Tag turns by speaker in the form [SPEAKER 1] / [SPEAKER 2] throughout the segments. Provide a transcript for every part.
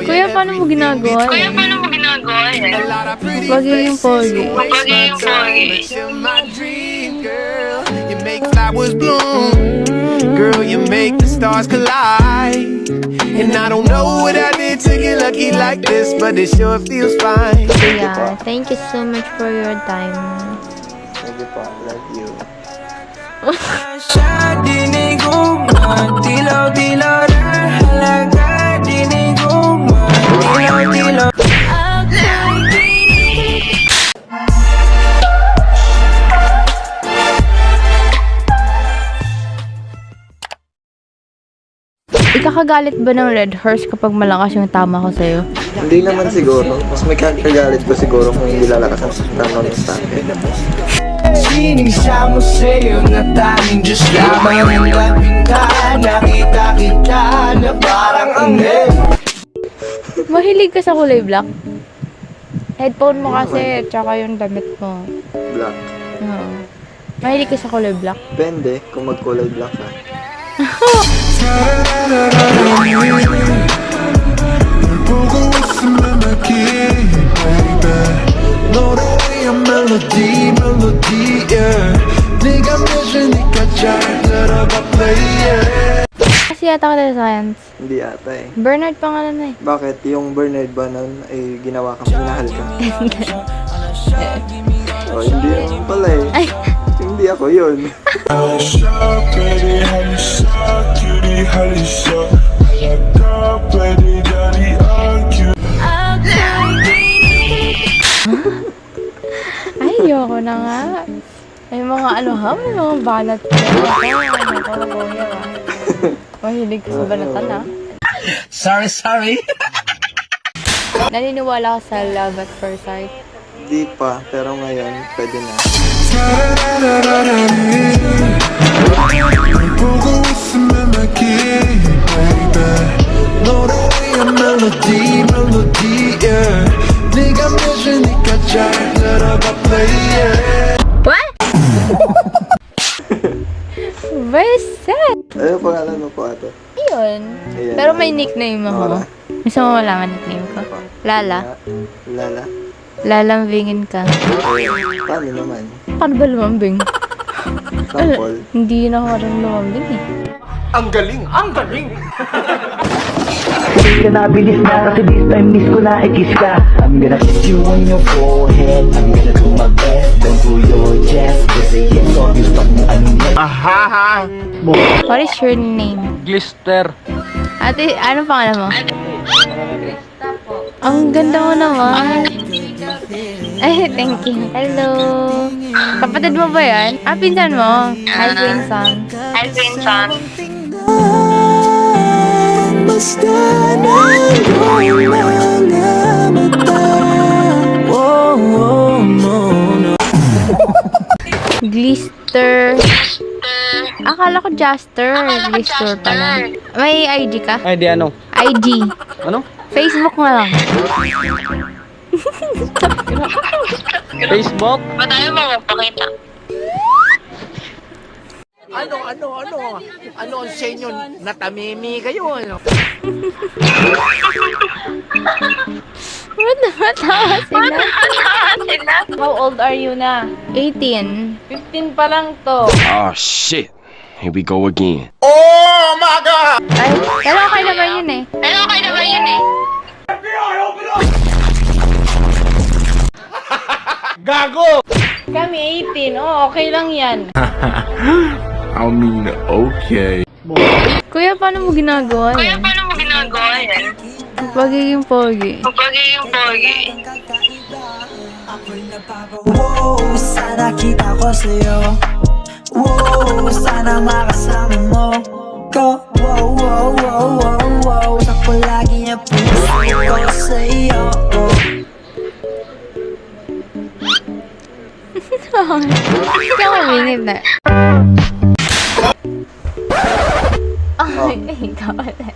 [SPEAKER 1] Kuya, paano mo ginagawa yan? Pagiging pogi.
[SPEAKER 2] You make flowers bloom. Girl, you make the stars collide. And I don't know what I did to get lucky like this, but it sure feels fine.
[SPEAKER 1] Kuya, thank you so much for your time.
[SPEAKER 3] Thank you po. Love you.
[SPEAKER 4] Siya dinig ugma, dilaw-dilaw na halaga. Dinig ugma, dilaw-dilaw.
[SPEAKER 1] Ikakagalit ba ng red horse kapag malakas yung tama ko sa'yo?
[SPEAKER 3] Hindi naman siguro. Mas may kagalit ko siguro kung hindi lalakas ang tama ng sa akin.
[SPEAKER 4] Sinigsa mo sa'yo na tanging Diyos lamang ang labing ka. Nakita kita na parang anghel.
[SPEAKER 1] Mahilig ka sa kulay black? Headphone mo kasi, tsaka yung damit mo.
[SPEAKER 3] Black.
[SPEAKER 1] Oo. Mahilig ka sa kulay black?
[SPEAKER 3] Depende kung magkulay black ka.
[SPEAKER 1] Kasi yata ka sa science.
[SPEAKER 3] Hindi ata eh.
[SPEAKER 1] Bernard pangalan na eh.
[SPEAKER 3] Bakit? Yung Bernard ba nun ay ginawa kang minahal ka? Oh, hindi naman pala eh.
[SPEAKER 1] Ay!
[SPEAKER 3] Hindi ako yun.
[SPEAKER 1] Ay, ayoko na nga. May mga ano ha? May mga banat pa. Mahilig ka sa banatan ha?
[SPEAKER 4] Sorry.
[SPEAKER 1] Naniniwala ka sa love at first sight?
[SPEAKER 3] Hindi pa, pero ngayon pwede na.
[SPEAKER 1] What? Very sad.
[SPEAKER 3] Ano pangalan mo po ate?
[SPEAKER 1] Yun.
[SPEAKER 3] Ayan.
[SPEAKER 1] Pero may nickname ako.
[SPEAKER 3] Nora.
[SPEAKER 1] Gusto mo malaman nickname ko? Lala.
[SPEAKER 3] Lala.
[SPEAKER 1] Lalambingin ka.
[SPEAKER 3] Paano naman?
[SPEAKER 1] Paano ba lumambing?
[SPEAKER 3] Sample.
[SPEAKER 1] Hindi na ako marunong lumambing eh.
[SPEAKER 5] Kiss ka na, bilis na, kasi this time miss ko na, i-kiss ka. I'm gonna kiss you on your forehead, I'm gonna do my best, down to your chest. Just say yes, or you stop mo, ano yan?
[SPEAKER 1] What is your name?
[SPEAKER 6] Glister.
[SPEAKER 1] Ate, ano pangalan mo? Ang ganda mo naman. Ay, thank you. Hello. Kapatid mo ba yan? Ah, pinsan mo. Hi, pinsan.
[SPEAKER 4] Basta nandun mga mata. Oh, no.
[SPEAKER 1] Glister. Akala ko Jaster. Glister pala. May ID ka?
[SPEAKER 6] Ay, di ano?
[SPEAKER 1] ID.
[SPEAKER 6] Ano?
[SPEAKER 1] Facebook mo lang.
[SPEAKER 6] Facebook?
[SPEAKER 7] Ano ang sa inyo? Natamimi kayo, ano?
[SPEAKER 1] Ba't namatawa sila? How old are you na? 18. 15 pa lang to.
[SPEAKER 8] Oh shit. Here we go again.
[SPEAKER 1] Ay, pero okay naman yun eh.
[SPEAKER 7] Gago!
[SPEAKER 1] Kami 18. Oh, okay lang yan.
[SPEAKER 8] I mean, okay.
[SPEAKER 1] Kuya, paano mo ginagawa yan? Pagiging pogi.
[SPEAKER 4] Wow, sana kita ko sa'yo. Wow, sana makasama mo ko. Wow. Sakto lagi niya puso ko sa'yo.
[SPEAKER 1] Hindi ako minute na. Ay, ikaw ulit.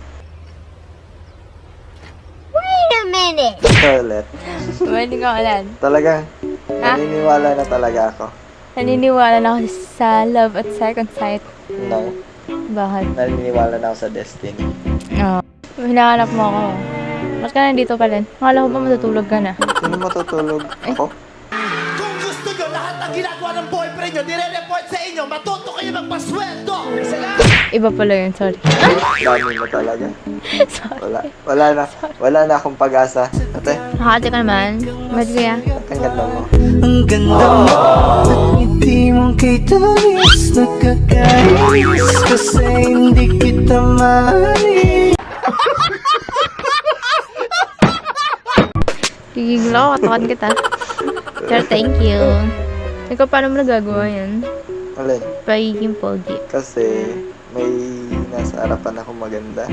[SPEAKER 3] Toilet.
[SPEAKER 1] Pwede ka ulit.
[SPEAKER 3] Talaga?
[SPEAKER 1] Ha?
[SPEAKER 3] Naniniwala na talaga ako.
[SPEAKER 1] Naniniwala na ako sa love at second sight.
[SPEAKER 3] No.
[SPEAKER 1] Bakit?
[SPEAKER 3] Naniniwala na ako sa destiny.
[SPEAKER 1] Oo. Hinahanap mo ako. Ba't ka nandito pa rin? Akala ko ba matutulog ka na?
[SPEAKER 3] Sino matutulog? Ako?
[SPEAKER 4] Kung gusto nyo lahat ng ginagawa ng boyfriend nyo, nire-report sa inyo, matuto kayo magpasweldo!
[SPEAKER 1] Iba pala yun, sorry.
[SPEAKER 3] Dami mo talaga.
[SPEAKER 1] Sorry.
[SPEAKER 3] Wala na akong pag-asa. Ate,
[SPEAKER 1] Nakakate ka naman. Ba't kuya?
[SPEAKER 3] ang ganda mo.
[SPEAKER 4] Ang ganda mo at ngiti mong kay Tamis, nakakainis kasi hindi kita mahalin.
[SPEAKER 1] Gigigil ako, katakan kita. Sir, thank you. Ikaw, paano mo nagagawa yan?
[SPEAKER 3] Alin?
[SPEAKER 1] Pagiging pogi.
[SPEAKER 3] Kasi may nasa harapan ako maganda.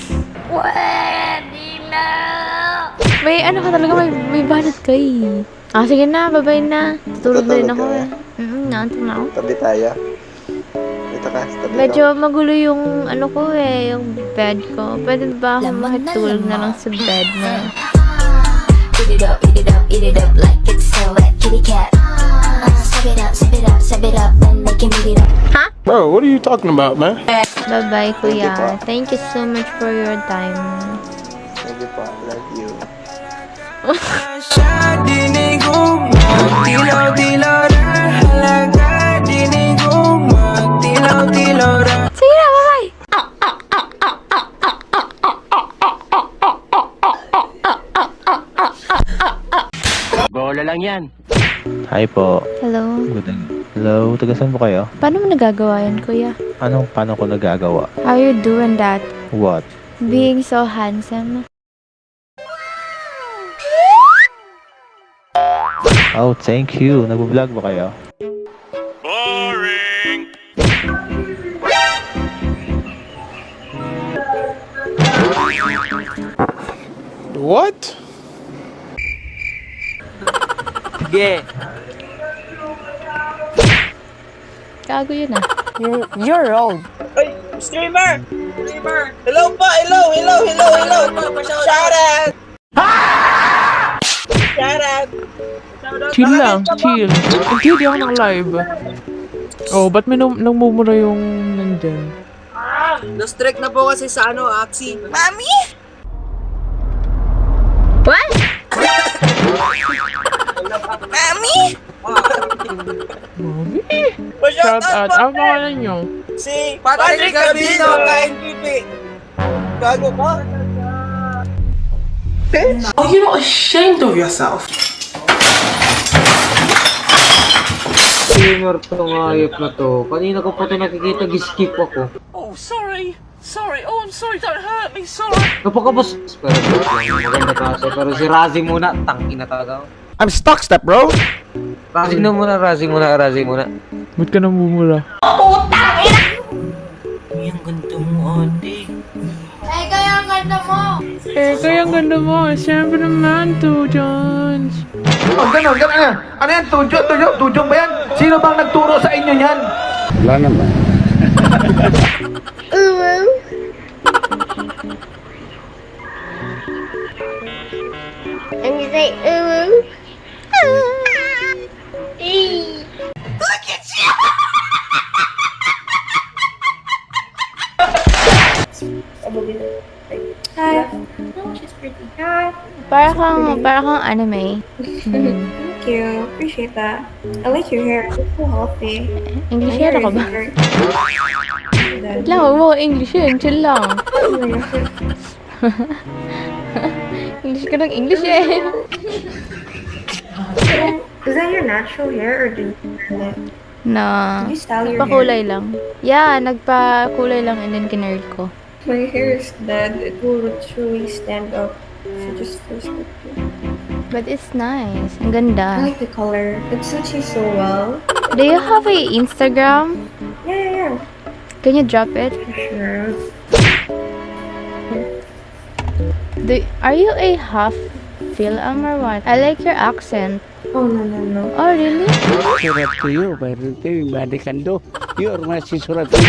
[SPEAKER 1] May ano ka talaga, may banat ka eh. Ah, sige na, babay na. Tutulog na rin ako
[SPEAKER 3] Tutulog
[SPEAKER 1] eh. Naantok na ako.
[SPEAKER 3] Tabi tayo. Dito ka, sa tabi
[SPEAKER 1] Medyo
[SPEAKER 3] ko.
[SPEAKER 1] magulo yung ano ko eh, yung bed ko. Pwede ba ako makitulog na lang sa bed na?
[SPEAKER 6] Eat it up, eat it up, eat it up like it's so wet, kitty cat. Sip it up, sip it up, sip it up, then they can eat it up.
[SPEAKER 8] Bro, what are you talking about, man?
[SPEAKER 1] Bye-bye, kuya.
[SPEAKER 3] po.
[SPEAKER 1] Thank you so much for your time.
[SPEAKER 3] Thank you po. Love you.
[SPEAKER 4] Siya dinig ko, magtilaw-tilaw na. Halaga dinig ko, magtilaw-tilaw na.
[SPEAKER 1] Sige na, bye-bye!
[SPEAKER 7] Bola lang yan.
[SPEAKER 5] Hi po.
[SPEAKER 1] Hello.
[SPEAKER 5] Hello, taga saan po kayo?
[SPEAKER 1] Paano mo nagagawa yan, kuya?
[SPEAKER 5] Paano ko nagagawa?
[SPEAKER 1] How you doing that?
[SPEAKER 5] What?
[SPEAKER 1] Being so handsome.
[SPEAKER 5] Oh, thank you. Nag-vlog ba kayo?
[SPEAKER 8] What?
[SPEAKER 7] Sige.
[SPEAKER 1] Gago yun ah.
[SPEAKER 7] You're old.
[SPEAKER 9] Ay, streamer! Streamer! Hello po! Hello! Shout out! Shout out!
[SPEAKER 10] Chill lang, chill. Hindi ako naka-live. Oh, ba't may nagmumura yung nandyan?
[SPEAKER 9] Na-strike na po kasi sa Axie. Mami!
[SPEAKER 1] What?
[SPEAKER 9] Mami!
[SPEAKER 10] Shout out. Ang pangalan nyo?
[SPEAKER 9] Si Patrick Gabino, ka-MVP! Gago ka?
[SPEAKER 11] Are you not ashamed of yourself?
[SPEAKER 9] Streamer tong hayop na to. Kanina ko pa ito nakikita, giskip ako.
[SPEAKER 11] Oh, sorry. Sorry. Oh, I'm sorry. Don't hurt me. Sorry.
[SPEAKER 9] Napakabos. Pero maganda kasi. Pero si Razi muna, tangina talaga.
[SPEAKER 8] I'm stuck, step bro.
[SPEAKER 9] Razi muna.
[SPEAKER 10] Ba't ka namumura?
[SPEAKER 11] Ang ganda mo, ate.
[SPEAKER 1] Eh, kaya ang ganda mo!
[SPEAKER 10] Eh, kaya ang ganda mo. Siyempre naman, 2 Johns.
[SPEAKER 4] Oh, gano'n. Ano yan? Tujok ba yan? Sino bang nagturo sa inyo yan?
[SPEAKER 8] Wala naman.
[SPEAKER 1] And you say, ooh.
[SPEAKER 9] Look at you!
[SPEAKER 1] Hi. She's pretty. Hi. Para kang anime.
[SPEAKER 12] Thank you. Appreciate that. I like your hair. It's so healthy.
[SPEAKER 1] English hair ako ba? Wait lang, huwag mo English yun. Chill lang. English ka ng English eh.
[SPEAKER 12] Is that your natural hair or do you curl it?
[SPEAKER 1] Na,
[SPEAKER 12] Did you style your
[SPEAKER 1] nagpakulay lang. Yeah, nagpakulay lang and then kinurl ko.
[SPEAKER 12] My hair is dead. It will literally stand up if you just twist it.
[SPEAKER 1] But it's nice. Ang
[SPEAKER 12] I
[SPEAKER 1] ganda.
[SPEAKER 12] like the color. It suits you so well.
[SPEAKER 1] Do you have a Instagram?
[SPEAKER 12] Yeah.
[SPEAKER 1] Can you drop it?
[SPEAKER 12] Sure.
[SPEAKER 1] Are you a half Film or what? I like your accent.
[SPEAKER 12] Oh, no.
[SPEAKER 1] Oh, really?
[SPEAKER 13] Surat to you, pero ito yung balikan do. You're my surat to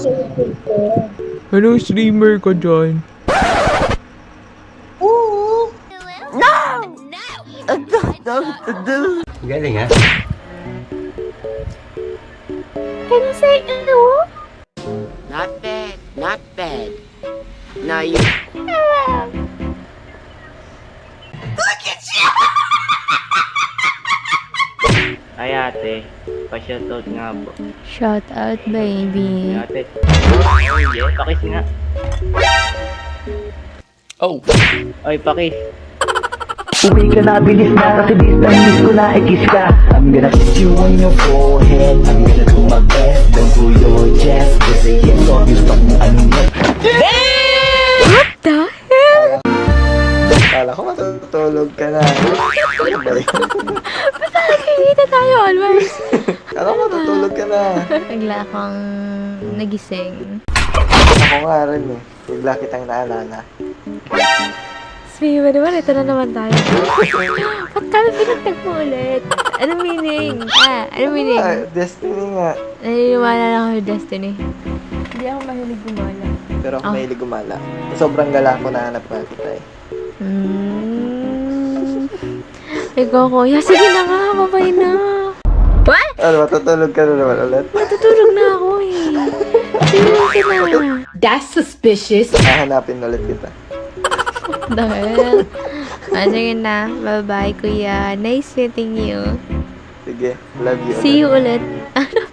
[SPEAKER 10] Anong streamer ko dyan?
[SPEAKER 13] Galing ha?
[SPEAKER 1] Can you say hello?
[SPEAKER 7] Not bad. Now you...
[SPEAKER 9] ate. Pa-shoutout nga po.
[SPEAKER 1] Shout out, baby.
[SPEAKER 9] Ate. Yeah, pakis nga.
[SPEAKER 8] Oh.
[SPEAKER 9] Oy, pakis.
[SPEAKER 5] Uwi ka na, bilis na, kasi this time miss ko na i-kiss ka. I'm gonna kiss you on your forehead. I'm gonna do my best, down to your chest. Just say yes, obvious pa kung ano yan.
[SPEAKER 1] What the hell?
[SPEAKER 3] Kala ko matutulog ka na. Ano ba yun?
[SPEAKER 1] Ba't nakikita tayo always?
[SPEAKER 3] Kala ko matutulog ka na.
[SPEAKER 1] Bigla akong nagising.
[SPEAKER 3] Ako nga rin eh. Bigla kitang naalala.
[SPEAKER 1] Smee, naman, ito na naman tayo. Ba't kami pinagtagpo ulit? Anong meaning? Anong meaning?
[SPEAKER 3] Destiny nga.
[SPEAKER 1] Naniniwala lang ako sa Destiny. Hindi ako mahilig gumala.
[SPEAKER 3] Pero ako mahilig gumala. Sobrang gala ko na hanap nga kita eh.
[SPEAKER 1] Ikaw, kuya. Sige na nga, babay na. What?
[SPEAKER 3] Ano, matutulog ka na naman ulit?
[SPEAKER 1] Matutulog na ako eh. Sige na. That's suspicious.
[SPEAKER 3] Hahanapin ulit kita.
[SPEAKER 1] Dahil. Sige na. Bye-bye, kuya. Nice meeting you.
[SPEAKER 3] Sige, love you.
[SPEAKER 1] See you ulit. Ano?